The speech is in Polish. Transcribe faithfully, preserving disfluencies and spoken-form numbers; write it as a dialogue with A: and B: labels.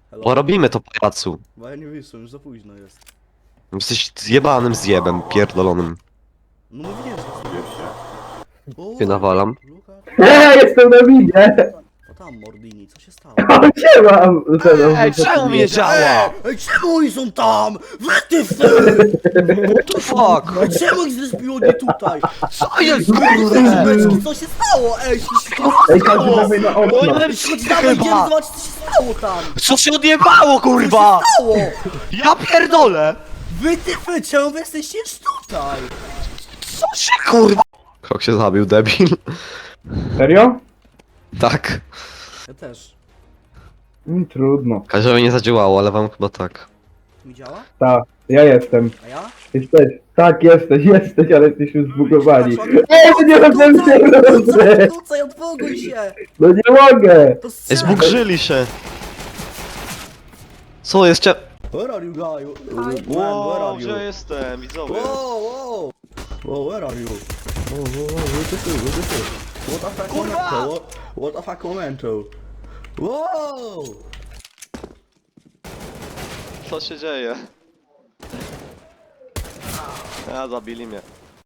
A: Hello?
B: Bo robimy to, pajacu.
A: Bo ja nie wyszłem, już za późno jest.
B: Jesteś zjebanym zjebem, pierdolonym.
A: No mówiłem, że jest. O,
B: Się nawalam.
A: Luka,
C: Eee, jestem na winie!
A: o tam Mordini, co się stało?
C: O, siema!
B: Ej, czemu mnie działa?
A: Ej, czemu oni są tam? Wytyfy!
B: What the fuck?
A: Czemu ich zrespiło nie tutaj?
B: Co jest,
A: Kurde,
B: kurde?
A: co się stało? Ej, co się
C: Ej,
A: stało?
C: każdy dawaj na okno!
B: Oj,
A: Chodź dawaj, idziemy
B: chyba.
A: zobaczyć, co się stało tam!
B: Co się odjebało, kurwa?
A: Stało!
B: Ja pierdolę!
A: Wytyfy, czemu wy jesteście już tutaj?
B: Co się, kurwa? Krok się zabił, debil.
C: Serio?
B: Tak.
A: Ja też.
C: Mm, trudno.
B: Każdemu nie zadziałało, ale wam chyba tak.
A: Mi działa?
C: Tak, ja jestem.
A: A ja?
C: Jesteś. Tak, jesteś, jesteś, ale jesteśmy zbugowani.
A: Patrz,
C: Ej, no nie rozumiem się, nie rozumiem!
A: Kucaj, odwołuj się!
C: No nie mogę!
A: To
B: Ej,
A: strzelaj!
B: zbugrzyli się. Co jest, cze...
A: Where are you guy? Man, where are you?
B: jestem, widzowie?
A: Whoa, whoa! Whoa, where are you? Whoa, whoa, whoa, what the fuck, what the fuck? What the fuck,
B: Kurwa!
A: momento? What, what the fuck, momento? Wow!
B: Co się dzieje? A, zabili mnie.